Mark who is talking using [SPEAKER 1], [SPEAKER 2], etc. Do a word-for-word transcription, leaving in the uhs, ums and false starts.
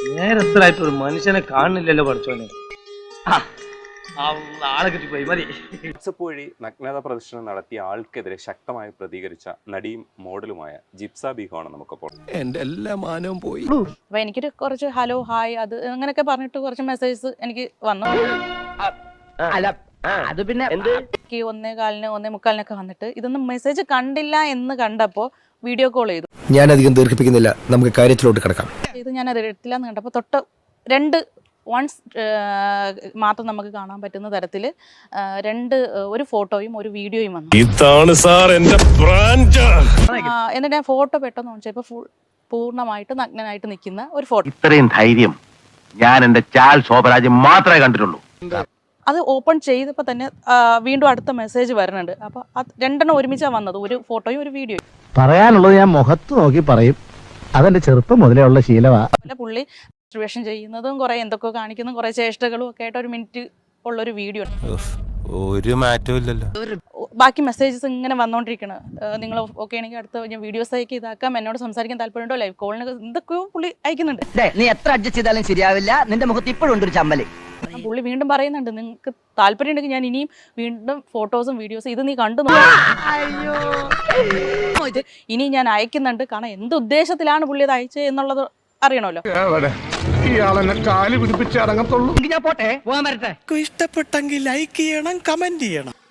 [SPEAKER 1] നേരത്തിലായിട്ട് ഒരു മനുഷ്യനെ കാണുന്നില്ലല്ലോ പഠിച്ചോനെ. ആളെ കിട്ടിപ്പോയി മതി.
[SPEAKER 2] വാട്സപ്പ് വഴി നഗ്നത പ്രദർശനം നടത്തിയ ആൾക്കെതിരെ ശക്തമായി പ്രതികരിച്ച നടിയും മോഡലുമായ ജിപ്സ ബീഗമാണ് നമുക്കപ്പോൾ.
[SPEAKER 3] എന്റെ എല്ലാ മാനവും പോയി.
[SPEAKER 4] അപ്പൊ എനിക്കൊരു കുറച്ച് ഹലോ ഹായ് അത് അങ്ങനെയൊക്കെ പറഞ്ഞിട്ട് കുറച്ച് മെസ്സേജസ് എനിക്ക് വന്നു.
[SPEAKER 5] അത് പിന്നെ
[SPEAKER 4] ഒന്നേ കാലിന് ഒന്നേ മുക്കാലിനൊക്കെ വന്നിട്ട് ഇതൊന്നും മെസ്സേജ് കണ്ടില്ല എന്ന് കണ്ടപ്പോ വീഡിയോ കോൾ ചെയ്തു.
[SPEAKER 3] ഞാൻ അധികം ദീർഘിപ്പിക്കുന്നില്ല, നമുക്ക് കാര്യത്തിലോട്ട് കിടക്കാം.
[SPEAKER 4] ഇത് ഞാൻ അത് എടുത്തില്ല എന്ന് കണ്ടപ്പോ തൊട്ട് രണ്ട് വൺസ് മാത്രം നമുക്ക് കാണാൻ പറ്റുന്ന തരത്തിൽ രണ്ട് ഒരു ഫോട്ടോയും ഒരു വീഡിയോയും വന്നു. എന്നിട്ട് ഞാൻ ഫോട്ടോ പെട്ടെന്ന് നോക്കിയപ്പോൾ ഫുൾ പൂർണ്ണമായിട്ട് നഗ്നനായിട്ട് നിൽക്കുന്ന ഒരു ഫോട്ടോ.
[SPEAKER 5] ഇത്രയും ധൈര്യം ഞാൻ എന്റെ ചാൽ ശോഭരാജ് മാത്രമേ കണ്ടിട്ടുള്ളൂ.
[SPEAKER 4] അത് ഓപ്പൺ ചെയ്തപ്പോൾ തന്നെ വീണ്ടും അടുത്ത മെസ്സേജ് വരുന്നുണ്ട്. അപ്പോൾ അത് രണ്ടെണ്ണം ഒരുമിച്ചാണ് വന്നത്, ഒരു ഫോട്ടോയും ഒരു വീഡിയോയും.
[SPEAKER 6] പറയാനുള്ളത് ഞാൻ മുഖത്ത് നോക്കി പറയും, അതെന്റെ ചെറുപ്പം മുതലേ ഉള്ള ശീലമാണ്.
[SPEAKER 4] പുള്ളി ഡിസ്ട്രിബ്യൂഷൻ ചെയ്യുന്നതും കുറെ എന്തൊക്കെ കാണിക്കുന്ന കുറെ ചേഷ്ടകളും ഒക്കെ ആയിട്ട് ഒരു മിനിറ്റ് ഉള്ളൊരു വീഡിയോ.
[SPEAKER 3] ഒരു മാറ്റവും ഇല്ലല്ലോ.
[SPEAKER 4] ബാക്കി മെസ്സേജസ് ഇങ്ങനെ വന്നോണ്ടിരിക്കണം. നിങ്ങൾ ഓക്കെ ആണെങ്കിൽ അടുത്ത ഞാൻ വീഡിയോസ് അയക്കി ഇതാക്കാം, എന്നോട് സംസാരിക്കാൻ താല്പര്യമുണ്ടോ, ലൈവ് കോളിന് എന്തൊക്കെയോ പുള്ളി അയക്കുന്നുണ്ട്.
[SPEAKER 7] നീ എത്ര അഡ്ജസ്റ്റ് ചെയ്താലും ശരിയാവില്ല, നിന്റെ മുഖത്ത് ഇപ്പോഴും ഉണ്ട് ഒരു ചമ്മല്.
[SPEAKER 4] പുള്ളി വീണ്ടും പറയുന്നുണ്ട്, നിങ്ങൾക്ക് താല്പര്യം ഉണ്ടെങ്കിൽ ഞാൻ ഇനിയും വീണ്ടും ഫോട്ടോസും വീഡിയോസും ഇത് നീ കണ്ടു ഇത് ഇനി ഞാൻ അയക്കുന്നുണ്ട്. കാരണം എന്ത് ഉദ്ദേശത്തിലാണ് പുള്ളി അത് അയച്ചത് എന്നുള്ളത് അറിയണമല്ലോ.
[SPEAKER 6] കാല് പിടിപ്പിച്ച് അടങ്ങത്തുള്ളൂ.
[SPEAKER 7] ഞാൻ പോട്ടെ, പോകാൻ വരട്ടെ.
[SPEAKER 3] ഇഷ്ടപ്പെട്ടെങ്കിൽ ലൈക്ക് ചെയ്യണം, കമന്റ് ചെയ്യണം.